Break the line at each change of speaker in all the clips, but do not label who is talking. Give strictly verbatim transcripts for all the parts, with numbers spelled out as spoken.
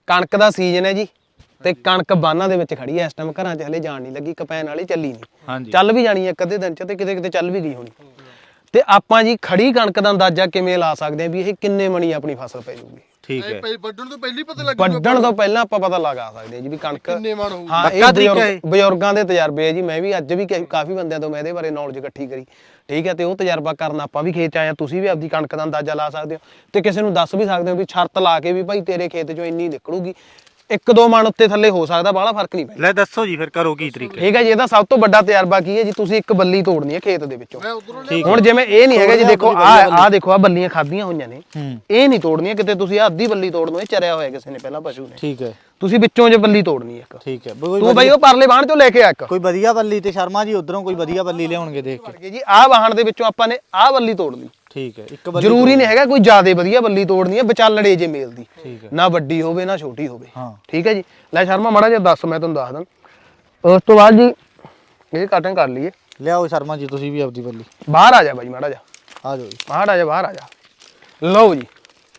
ਕਣਕ ਦਾ ਸੀਜ਼ਨ ਹੈ ਜੀ ਤੇ ਕਣਕ ਬਾਨਾਂ ਦੇ ਵਿੱਚ ਖੜੀ ਐ ਇਸ ਟਾਈਮ, ਘਰਾਂ 'ਚ ਹਲੇ ਜਾਣ ਨਹੀਂ ਲੱਗੀ, ਕਪੈਨ ਵਾਲੀ ਚੱਲੀ ਨਹੀਂ, ਚੱਲ ਵੀ ਜਾਣੀ ਇੱਕ ਅੱਧੇ ਦਿਨ 'ਚ ਤੇ ਕਿਤੇ ਕਿਤੇ ਚੱਲ ਵੀ ਗਈ ਹੋਣੀ। ਤੇ ਆਪਾਂ ਜੀ ਖੜੀ ਕਣਕ ਦਾ ਅੰਦਾਜ਼ਾ ਕਿਵੇਂ ਲਾ ਸਕਦੇ ਆ ਵੀ ਇਹ ਕਿੰਨੇ ਮਣੀ ਆਪਣੀ ਫਸਲ ਪੈ ਜਾਊਗੀ? ਠੀਕ ਹੈ, ਵੱਢਣ ਤੋਂ ਪਹਿਲਾਂ ਹੀ ਪਤਾ ਲੱਗ ਜਾਊਗਾ, ਵੱਢਣ ਤੋਂ ਪਹਿਲਾਂ ਆਪਾਂ ਪਤਾ ਲਗਾ ਸਕਦੇ ਆ ਜੀ ਵੀ ਕਣਕ ਕਿੰਨੇ ਮਣ ਹੋਊਗੀ। ਹਾਂ, ਇਹ ਬਜ਼ੁਰਗ ਬਜ਼ੁਰਗਾਂ ਦੇ ਤਜਰਬੇ ਹੈ ਜੀ, ਮੈਂ ਵੀ ਅੱਜ ਵੀ ਕਾਫੀ ਬੰਦਿਆਂ ਤੋਂ ਮੈਂ ਇਹਦੇ ਬਾਰੇ ਨੌਲੇਜ ਇਕੱਠੀ ਕਰੀ, ਠੀਕ ਹੈ। ਤੇ ਉਹ ਤਜਰਬਾ ਕਰਨ ਆਪਾਂ ਵੀ ਖੇਤ 'ਚ ਆਏ ਆ, ਤੁਸੀਂ ਵੀ ਆਪਦੀ ਕਣਕ ਦਾ ਅੰਦਾਜ਼ਾ ਲਾ ਸਕਦੇ ਹੋ ਤੇ ਕਿਸੇ ਨੂੰ ਦੱਸ ਵੀ ਸਕਦੇ ਹੋ ਵੀ ਸ਼ਰਤ ਲਾ ਕੇ ਵੀ ਭਾਈ ਤੇਰੇ ਖੇਤ 'ਚੋਂ ਇੰਨੀ ਨਿਕਲੂਗੀ, ਇੱਕ ਦੋ ਮਣ ਉੱਤੇ ਥੱਲੇ ਹੋ ਸਕਦਾ, ਬਾਹਲਾ ਫਰਕ ਨਹੀਂ ਪੈਂਦਾ। ਲੈ ਦੱਸੋ ਜੀ ਫਿਰ ਕਰੋ ਕੀ ਤਰੀਕਾ? ਠੀਕ ਹੈ ਜੀ, ਇਹਦਾ ਸਭ ਤੋਂ ਵੱਡਾ ਤਜਰਬਾ ਕੀ ਹੈ ਜੀ, ਤੁਸੀਂ ਇੱਕ ਬੱਲੀ ਤੋੜਨੀ ਹੈ ਖੇਤ ਦੇ ਵਿੱਚੋਂ। ਹੁਣ ਜਿਵੇਂ ਇਹ ਨਹੀਂ ਹੈਗਾ ਜੀ, ਦੇਖੋ ਆ ਆ ਦੇਖੋ ਆ ਬੱਲੀਆਂ ਖਾਧੀਆਂ ਹੋਈਆਂ ਨੇ, ਇਹ ਨਹੀਂ ਤੋੜਨੀਆਂ ਕਿਤੇ ਤੁਸੀਂ, ਅੱਧੀ ਬੱਲੀ ਤੋੜ ਲਓ, ਇਹ ਚਰਿਆ ਹੋਇਆ ਕਿਸੇ ਨੇ ਪਹਿਲਾਂ ਪਸ਼ੂ ਨੇ, ਠੀਕ ਹੈ। ਤੁਸੀਂ ਵਿੱਚੋਂ ਜੇ ਬੱਲੀ ਤੋੜਨੀ ਹੈ ਇੱਕ, ਠੀਕ ਹੈ। ਤੂੰ ਬਾਈ ਉਹ ਪਰਲੇ ਬਾਹਣ ਚੋਂ ਲੈ ਕੇ ਆ ਇੱਕ ਕੋਈ ਵਧੀਆ ਬੱਲੀ, ਤੇ ਸ਼ਰਮਾ ਜੀ ਉਧਰੋਂ ਕੋਈ ਵਧੀਆ ਬੱਲੀ ਲਿਆਉਣਗੇ ਦੇਖ ਕੇ ਜੀ। ਆਹ ਬਾਹਣ ਦੇ ਵਿੱਚੋਂ ਆਪਾਂ ਨੇ ਆਹ ਬੱਲੀ ਤੋੜ ਲਈ, ਠੀਕ ਹੈ। ਇੱਕ ਬੱਲੀ ਜ਼ਰੂਰੀ ਨਹੀਂ ਹੈਗਾ ਕੋਈ ਜ਼ਿਆਦਾ ਵਧੀਆ ਬੱਲੀ ਤੋੜਨੀ ਹੈ, ਵਿਚਾਲੜੇ ਜੇ ਮੇਲ ਦੀ, ਨਾ ਵੱਡੀ ਹੋਵੇ ਨਾ ਛੋਟੀ ਹੋਵੇ, ਠੀਕ ਹੈ ਜੀ। ਲੈ ਸ਼ਰਮਾ ਮਾੜਾ ਜਿਹਾ ਦੱਸ, ਮੈਂ ਤੁਹਾਨੂੰ ਦੱਸ ਦਾਂ। ਉਸ ਤੋਂ ਬਾਅਦ ਜੀ ਇਹ ਕਟਿੰਗ ਕਰ ਲਈਏ। ਲਿਆਓ ਸ਼ਰਮਾ ਜੀ ਤੁਸੀਂ ਵੀ ਆਪਦੀ ਬੱਲੀ ਬਾਹਰ ਆ ਜਾ ਬਾਈ, ਮਾੜਾ ਜਿਹਾ ਆ ਜਾਓ ਜੀ, ਬਾਹਰ ਆ ਜਾ, ਬਾਹਰ ਆ ਜਾ। ਲਓ ਜੀ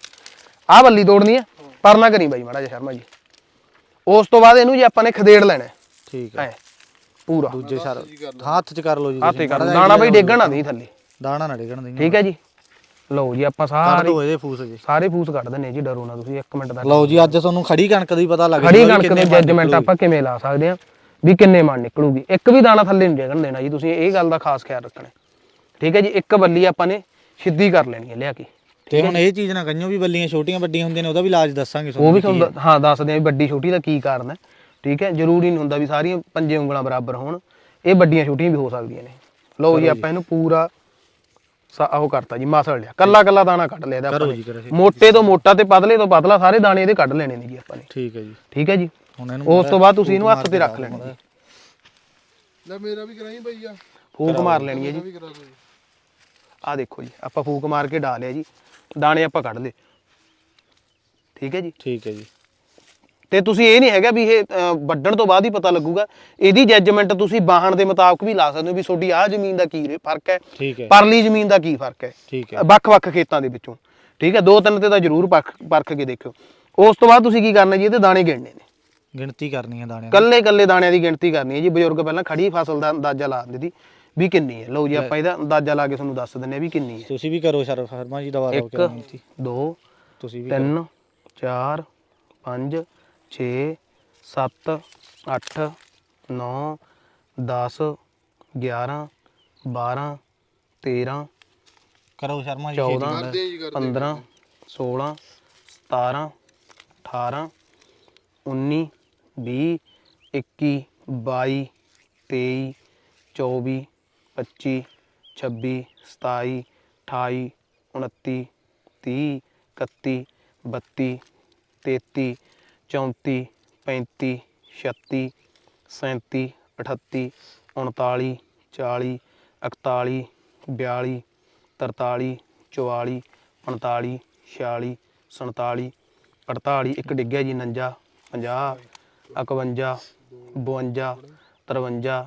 ਆਹ ਬੱਲੀ ਤੋੜਨੀ ਹੈ, ਪਰ ਨਾ ਕਰੀ ਬਾਈ ਮਾੜਾ ਜਿਹਾ ਸ਼ਰਮਾ ਜੀ। ਉਸ ਤੋਂ ਬਾਅਦ ਇਹਨੂੰ ਜੀ ਆਪਾਂ ਨੇ ਖਦੇੜ ਲੈਣਾ, ਠੀਕ ਹੈ, ਪੂਰਾ ਦੂਜੇ ਸਰ ਹੱਥ 'ਚ ਕਰ ਲਓ ਜੀ, ਹੱਥ 'ਚ ਕਰ ਲਓ, ਦਾਣਾ ਬਾਈ ਡੇਗਣ ਨਾ ਦੇਈ ਥੱਲੇ, ਦਾਣਾ ਨਾ ਡੇਗਣ ਦੇਈ, ਠੀਕ ਹੈ ਜੀ। ਲਓ ਜੀ ਆਪਾਂ ਸਾਰੇ ਇਹਦੇ ਫੂਸ ਜੀ, ਸਾਰੇ ਫੂਸ ਕੱਢ ਦਿੰਨੇ ਜੀ, ਡਰੋ ਨਾ ਤੁਸੀਂ, ਇੱਕ ਮਿੰਟ ਦਾ। ਲਓ ਜੀ ਅੱਜ ਤੁਹਾਨੂੰ ਖੜੀ ਕਣਕ ਦੀ ਪਤਾ ਲੱਗ ਗਿਆ, ਖੜੀ ਕਣਕ ਦੇ ਜੱਜਮੈਂਟ ਆਪਾਂ ਕਿਵੇਂ ਲਾ ਸਕਦੇ ਆ ਵੀ ਕਿੰਨੇ ਮਣ ਨਿਕਲੂਗੀ। ਇੱਕ ਵੀ ਦਾਣਾ ਥੱਲੇ ਨਹੀਂ ਡੇਗਣ ਦੇਣਾ ਜੀ, ਤੁਸੀਂ ਇਹ ਗੱਲ ਦਾ ਖਾਸ ਖਿਆਲ ਰੱਖਣਾ, ਠੀਕ ਹੈ ਜੀ। ਇੱਕ ਬੱਲੀ ਆਪਾਂ ਨੇ ਸਿੱਧੀ ਕਰ ਲੈਣੀ ਹੈ ਲਿਆ ਕੇ। ਤੇ ਹੁਣ ਇਹ ਚੀਜ਼ ਨਾ ਕਹੀਓ ਵੀ ਬੱਲੀਆਂ ਛੋਟੀਆਂ ਵੱਡੀਆਂ ਹੁੰਦੀਆਂ ਨੇ, ਉਹਦਾ ਵੀ ਇਲਾਜ ਦੱਸਾਂਗੇ, ਉਹ ਵੀ ਤੁਹਾਨੂੰ ਹਾਂ ਦੱਸਦੇ ਆ ਵੀ ਵੱਡੀ ਛੋਟੀ ਦਾ ਕੀ ਕਾਰਨ ਹੈ, ਠੀਕ ਹੈ। ਜ਼ਰੂਰੀ ਨਹੀਂ ਹੁੰਦਾ ਵੀ ਸਾਰੀਆਂ ਪੰਜੇ ਉਂਗਲਾਂ ਬਰਾਬਰ ਹੋਣ, ਇਹ ਵੱਡੀਆਂ ਛੋਟੀਆਂ ਵੀ ਹੋ ਸਕਦੀਆਂ ਨੇ। ਲਓ ਜੀ ਆਪਾਂ ਇਹਨੂੰ ਪੂਰਾ ਉਹ ਕਰਤਾ ਜੀ, ਮਸਲ ਲਿਆ, ਕੱਲਾ ਕੱਲਾ ਦਾਣਾ ਕੱਢ ਲਿਆ ਇਹਦਾ, ਮੋਟੇ ਤੋਂ ਮੋਟਾ ਤੇ ਪਤਲੇ ਤੋਂ ਪਤਲਾ ਸਾਰੇ ਦਾਣੇ ਇਹਦੇ ਕੱਢ ਲੈਣੇ ਨੇ ਜੀ ਆਪਾਂ ਨੇ, ਠੀਕ ਹੈ ਜੀ, ਠੀਕ ਹੈ ਜੀ। ਉਸ ਤੋਂ ਬਾਅਦ ਤੁਸੀਂ ਇਹਨੂੰ ਹੱਥ ਤੇ ਰੱਖ ਲੈਣਾ ਜੀ। ਲੈ ਮੇਰਾ ਵੀ ਕਰਾਈ ਬਈ ਆ, ਫੂਕ ਮਾਰ ਲੈਣੀ ਹੈ ਜੀ। ਆਹ ਦੇਖੋ ਜੀ ਆਪਾਂ ਫੂਕ ਮਾਰ ਕੇ ਡਾ ਲਿਆ ਜੀ, ਦਾਣੇ ਆਪਾਂ ਕੱਢ ਲਏ, ਠੀਕ ਹੈ ਜੀ, ਠੀਕ ਹੈ ਜੀ। ਤੇ ਤੁਸੀਂ ਇਹ ਨਹੀਂ ਹੈਗਾ ਵੀ ਇਹ ਵੱਢਣ ਤੋਂ ਬਾਅਦ ਹੀ ਪਤਾ ਲੱਗੂਗਾ, ਇਹਦੀ ਜੱਜਮੈਂਟ ਤੁਸੀਂ ਬਾਹਣ ਦੇ ਮੁਤਾਬਕ ਵੀ ਲਾ ਸਕਦੇ ਹੋ ਵੀ ਤੁਹਾਡੀ ਆਹ ਜ਼ਮੀਨ ਦਾ ਕੀ ਫਰਕ ਹੈ, ਪਰਲੀ ਜ਼ਮੀਨ ਦਾ ਕੀ ਫਰਕ ਹੈ, ਠੀਕ ਹੈ, ਵੱਖ-ਵੱਖ ਖੇਤਾਂ ਦੇ ਵਿੱਚੋਂ, ਠੀਕ ਹੈ। ਦੋ ਤਿੰਨ ਤੇ ਤਾਂ ਜ਼ਰੂਰ ਪਰਖ ਕੇ ਦੇਖਿਓ। ਉਸ ਤੋਂ ਬਾਅਦ ਤੁਸੀਂ ਕੀ ਕਰਨਾ ਜੀ, ਇਹਦੇ ਦਾਣੇ ਗਿਣਨੇ ਨੇ, ਗਿਣਤੀ ਕਰਨੀ ਹੈ ਦਾਣਿਆਂ ਦੀ, ਕੱਲੇ ਕੱਲੇ ਦਾਣਿਆਂ ਦੀ ਗਿਣਤੀ ਕਰਨੀ ਹੈ ਜੀ। ਬਜ਼ੁਰਗ ਪਹਿਲਾਂ ਖੜੀ ਫਸਲ ਦਾ ਅੰਦਾਜ਼ਾ ਲਾ ਦਿੰਦੇ ਸੀ ਵੀ ਕਿੰਨੀ ਹੈ। ਲਓ ਜੀ ਆਪਾਂ ਇਹਦਾ ਅੰਦਾਜ਼ਾ ਲਾ ਕੇ ਤੁਹਾਨੂੰ ਦੱਸ ਦਿੰਦੇ ਵੀ ਕਿੰਨੀ ਹੈ। ਤੁਸੀਂ ਵੀ ਕਰੋ ਸ਼ਰਮਾ ਜੀ, ਦਵਾ ਦਿਓ। ਇੱਕ ਦੋ ਤੁਸੀਂ ਵੀ ਤਿੰਨ ਚਾਰ ਪੰਜ ਛੇ ਸੱਤ ਅੱਠ ਨੌ ਦਸ ਗਿਆਰਾਂ ਬਾਰਾਂ ਤੇਰਾਂ ਕਰੋ ਸ਼ਰਮਾ ਜੀ, ਚੌਦਾਂ ਪੰਦਰਾਂ ਸੋਲਾਂ ਸਤਾਰਾਂ ਅਠਾਰਾਂ ਉੱਨੀ ਵੀਹ ਇੱਕੀ ਬਾਈ ਤੇਈ ਚੌਵੀ ਪੱਚੀ ਛੱਬੀ ਸਤਾਈ ਅਠਾਈ ਉਨੱਤੀ ਤੀਹ ਇਕੱਤੀ ਬੱਤੀ ਤੇਤੀ ਚੌਂਤੀ ਪੈਂਤੀ ਛੱਤੀ ਸੈਂਤੀ ਅਠੱਤੀ ਉਨਤਾਲੀ ਚਾਲੀ ਇਕਤਾਲੀ ਬਿਆਲੀ ਤਰਤਾਲੀ ਚੁਤਾਲੀ ਪੰਤਾਲੀ ਛਿਆਲੀ ਸੰਤਾਲੀ ਅਠਤਾਲੀ, ਇੱਕ ਡਿੱਗਿਆ ਜੀ ਉਣੰਜਾ ਪੰਜਾਹ ਇਕਵੰਜਾ ਬਵੰਜਾ ਤਰਵੰਜਾ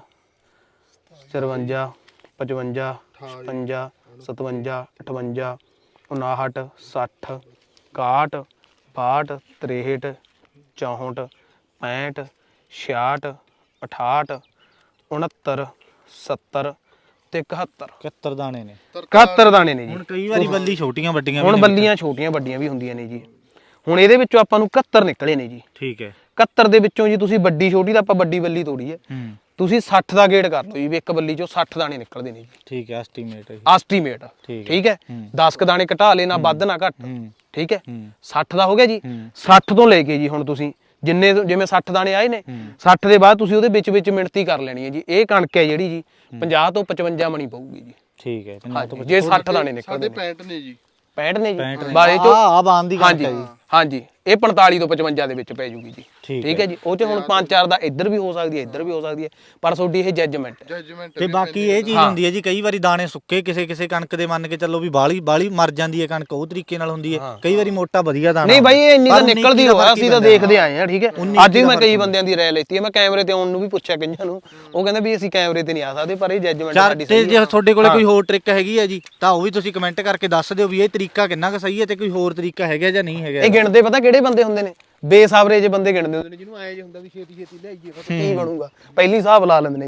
ਚਰਵੰਜਾ ਪਚਵੰਜਾ ਛਪੰਜਾ ਸਤਵੰਜਾ ਅਠਵੰਜਾ ਉਣਾਹਠ ਸੱਠ ਇਕਾਹਠ ਬਾਹਠ ਤਰੇਹਠ ਚੌਂਹਠ ਪੈਂਹਠ ਛਿਆਹਠ ਅਠਾਹਠ ਉਣੱਤਰ ਸੱਤਰ ਤੇ ਇਕਹੱਤਰ ਇਕਹੱਤਰ ਦਾਣੇ ਨੇ, ਇਕਹੱਤਰ ਦਾਣੇ ਨੇ ਜੀ। ਹੁਣ ਕਈ ਵਾਰੀ ਬੱਲੀ ਛੋਟੀਆਂ ਵੱਡੀਆਂ, ਹੁਣ ਬੱਲੀਆਂ ਛੋਟੀਆਂ ਵੱਡੀਆਂ ਵੀ ਹੁੰਦੀਆਂ ਨੇ ਜੀ। ਹੁਣ ਇਹਦੇ ਵਿੱਚੋਂ ਆਪਾਂ ਨੂੰ ਇਕਹੱਤਰ ਨਿਕਲੇ ਨੇ ਜੀ, ਠੀਕ ਹੈ। ਇਕਹੱਤਰ ਦੇ ਵਿੱਚੋਂ ਜੀ ਤੁਸੀਂ ਵੱਡੀ ਛੋਟੀ ਦਾ ਆਪਾਂ ਵੱਡੀ ਬੱਲੀ ਤੋੜੀ ਹੈ, ਤੁਸੀਂ ਸੱਠ ਦਾ ਗੇੜ ਕਰ ਲਓ ਜੀ ਵੀ ਇੱਕ ਬੱਲੀ ਚੋਂ ਸੱਠ ਦਾਣੇ ਨਿਕਲਦੇ ਨੇ ਜੀ, ਠੀਕ ਹੈ। ਐਸਟੀਮੇਟ ਐਸਟੀਮੇਟ ਠੀਕ ਹੈ, ਦਸ ਕ ਦਾਣੇ ਘਟਾ ਲੈ, ਨਾ ਵੱਧ ਨਾ ਘੱਟ, ਠੀਕ ਹੈ। ਸੱਠ ਦਾ ਹੋ ਗਿਆ ਜੀ। ਸੱਠ ਤੋਂ ਲੈ ਕੇ ਜੀ ਹੁਣ ਤੁਸੀਂ ਜਿੰਨੇ ਜਿਵੇਂ ਸੱਠ ਦਾਣੇ ਆਏ ਨੇ, ਸੱਠ ਦੇ ਬਾਅਦ ਤੁਸੀਂ ਉਹਦੇ ਵਿੱਚ ਵਿੱਚ ਮਿਣਤੀ ਕਰ ਲੈਣੀ ਹੈ ਜੀ। ਇਹ ਕਣਕ ਹੈ ਜਿਹੜੀ ਜੀ ਪੰਜਾਹ ਤੋਂ ਪਚਵੰਜਾ ਮਣੀ ਪਊਗੀ ਜੀ, ਠੀਕ ਹੈ। ਜੇ ਸੱਠ ਦਾਣੇ ਨਿਕਲਦੇ ਨੇ, ਪੈਂਹਠ ਨੇ ਜੀ, ਪੈਂਹਠ ਨੇ ਜੀ ਬਾਰੇ ਚੋਂ ਆ ਬਾਂਦ ਦੀ ਕਣਕ ਹੈ ਜੀ, ਹਾਂਜੀ। ਇਹ ਪੰਤਾਲੀ ਤੋਂ ਪਚਵੰਜਾ ਦੇ ਵਿੱਚ ਪੈ ਜੂਗੀ ਜੀ, ਠੀਕ ਹੈ ਜੀ। ਉਹ 'ਚ ਹੁਣ ਪੰਜ ਚਾਰ ਦਾ ਇੱਧਰ ਵੀ ਹੋ ਸਕਦੀ ਹੈ, ਇੱਧਰ ਵੀ ਹੋ ਸਕਦੀ ਹੈ, ਪਰ ਤੁਹਾਡੀ ਇਹ ਜੱਜਮੈਂਟ ਹੈ। ਤੇ ਬਾਕੀ ਇਹ ਚੀਜ਼ ਹੁੰਦੀ ਹੈ ਜੀ, ਕਈ ਵਾਰੀ ਦਾਣੇ ਸੁੱਕੇ ਕਿਸੇ ਕਿਸੇ ਕਣਕ ਦੇ ਮੰਨ ਕੇ ਚੱਲੋ ਵੀ ਬਾਹਲੀ ਬਾਹਲੀ ਮਰ ਜਾਂਦੀ ਹੈ ਕਣਕ, ਉਹ ਤਰੀਕੇ ਨਾਲ ਹੁੰਦੀ ਹੈ। ਕਈ ਵਾਰੀ ਮੋਟਾ ਵਧੀਆ ਦਾਣਾ ਨਹੀਂ ਬਾਈ, ਇਹ ਇੰਨੀ ਤਾਂ ਨਿਕਲਦੀ ਹੋਇਆ, ਅਸੀਂ ਤਾਂ ਦੇਖਦੇ ਆਏ ਹਾਂ, ਠੀਕ ਹੈ। ਅੱਜ ਵੀ ਮੈਂ ਕਈ ਬੰਦਿਆਂ ਦੀ ਰਾਏ ਲੈਤੀ ਹੈ, ਮੈਂ ਕੈਮਰੇ ਤੇ ਆਉਣ ਨੂੰ ਵੀ ਪੁੱਛਿਆ ਕਈਆਂ ਨੂੰ, ਉਹ ਕਹਿੰਦੇ ਵੀ ਅਸੀਂ ਕੈਮਰੇ ਤੇ ਨਹੀਂ ਆ ਸਕਦੇ, ਪਰ ਇਹ ਜੱਜਮੈਂਟ ਸਾਡੀ ਸਹੀ ਹੈ। ਜੇ ਤੁਹਾਡੇ ਕੋਲੇ ਕੋਈ ਹੋਰ ਟ੍ਰਿਕ ਹੈਗੀ ਹੈ ਜੀ, ਤਾਂ ਉਹ ਵੀ ਤੁਸੀਂ ਕਮੈਂਟ ਕਰਕੇ ਦੱਸ ਦਿਓ ਵੀ ਇਹ ਤਰੀਕਾ ਕਿੰਨਾ ਕੁ ਸਹੀ ਹੈ ਤੇ ਕੋਈ ਹੋਰ ਤਰੀਕਾ ਹੈਗਾ ਜਾਂ ਨਹੀਂ ਹੈਗਾ। ਗਿਣਦੇ ਪਤਾ ਕਿਹੜੇ ਬੰਦੇ ਹੁੰਦੇ ਨੇ, ਬੇਸਾਬਰੇ ਜੇ ਬੰਦੇ ਗਿਣਦੇ ਹੁੰਦੇ ਨੇ ਜਿਹਨੂੰ ਐ ਜੇ ਹੁੰਦਾ ਵੀ ਛੇਤੀ ਛੇਤੀ ਲਿਆਈਏ ਪਤਾ ਕੀ ਬਣੂਗਾ, ਪਹਿਲੀ ਹਿਸਾਬ ਲਾ ਲੈਂਦੇ ਨੇ।